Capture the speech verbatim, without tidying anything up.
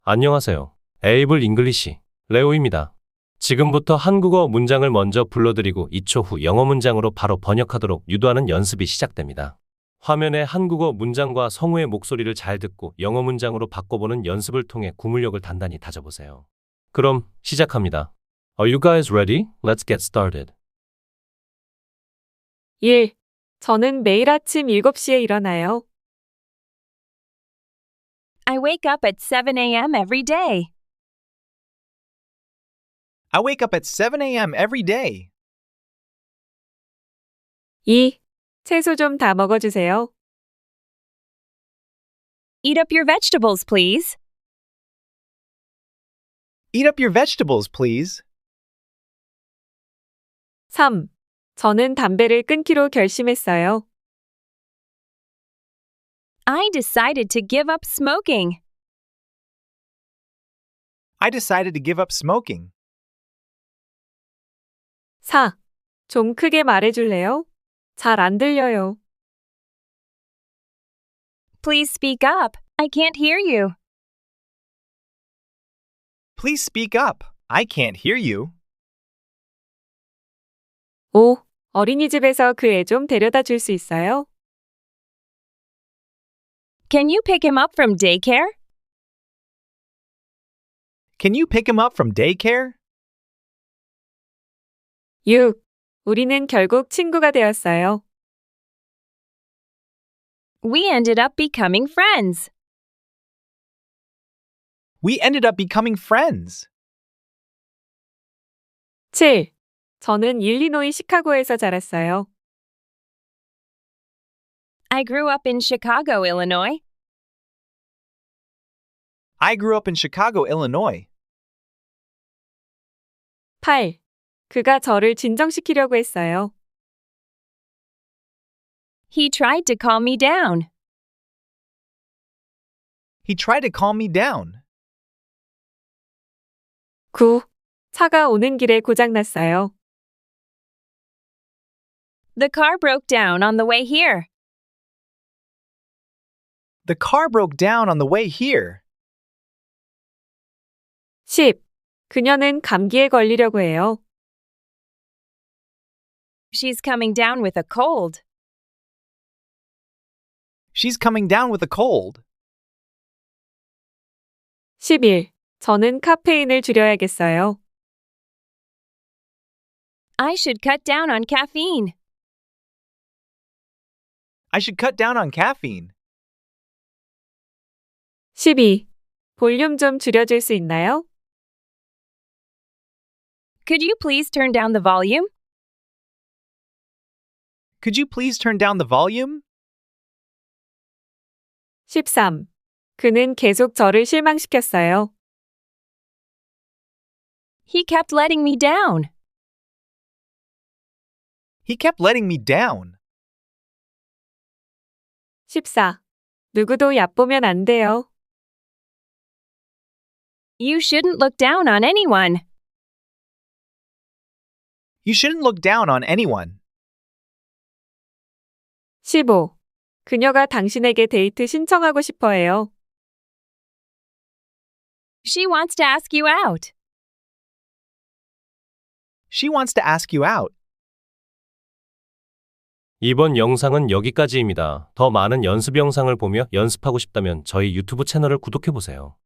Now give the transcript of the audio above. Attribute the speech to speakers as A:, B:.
A: 안녕하세요. 에이블 잉글리시 레오입니다. 지금부터 한국어 문장을 먼저 불러드리고 이 초 후 영어 문장으로 바로 번역하도록 유도하는 연습이 시작됩니다. 화면에 한국어 문장과 성우의 목소리를 잘 듣고 영어 문장으로 바꿔보는 연습을 통해 구문력을 단단히 다져보세요. 그럼 시작합니다. Are you guys ready? Let's get started.
B: 일. 저는 매일 아침 일곱 시에 일어나요.
C: I wake up at seven a.m. every day.
D: I wake up at seven a.m. every day.
B: 이. 채소 좀 다 먹어주세요.
C: Eat up your vegetables, please.
D: Eat up your vegetables, please.
B: 삼. 저는 담배를 끊기로 결심했어요.
C: I decided to give up smoking.
D: I decided to give up smoking.
B: 사. 좀 크게 말해줄래요? 잘 안 들려요.
C: Please speak up. I can't hear you.
D: Please speak up. I can't hear you.
B: 오. 어린이집에서 그 애 좀 데려다 줄 수 있어요?
C: Can you pick him up from daycare?
D: Can you pick him up from daycare?
B: 육. 우리는 결국 친구가 되었어요.
C: We ended up becoming friends.
D: We ended up becoming friends.
B: 칠. 저는 일리노이 시카고에서 자랐어요.
C: I grew up in Chicago, Illinois.
D: I grew up in Chicago, Illinois.
B: 팔. 그가 저를 진정시키려고 했어요.
C: He tried to calm me down.
D: He tried to calm me down.
B: 구. 차가 오는 길에 고장났어요.
C: The car broke down on the way here.
D: The car broke down on the way here.
B: 십. 그녀는 감기에 걸리려고 해요.
C: She's coming down with a cold.
D: She's coming down with a cold.
B: 십일. 저는 카페인을 줄여야겠어요.
C: I should cut down on caffeine.
D: I should cut down on caffeine.
B: 십이. 볼륨 좀 줄여줄 수 있나요?
C: Could you please turn down the volume?
D: Could you please turn down the volume?
B: 십삼. 그는 계속 저를 실망시켰어요.
C: He kept letting me down.
D: He kept letting me down.
B: 십사. 누구도 얕보면 안 돼요.
C: You shouldn't look down on anyone.
D: You shouldn't look down on anyone.
B: 십오. 그녀가 당신에게 데이트 신청하고 싶어 해요.
C: She wants to ask you out.
D: She wants to ask you out.
A: 이번 영상은 여기까지입니다. 더 많은 연습 영상을 보며 연습하고 싶다면 저희 유튜브 채널을 구독해보세요.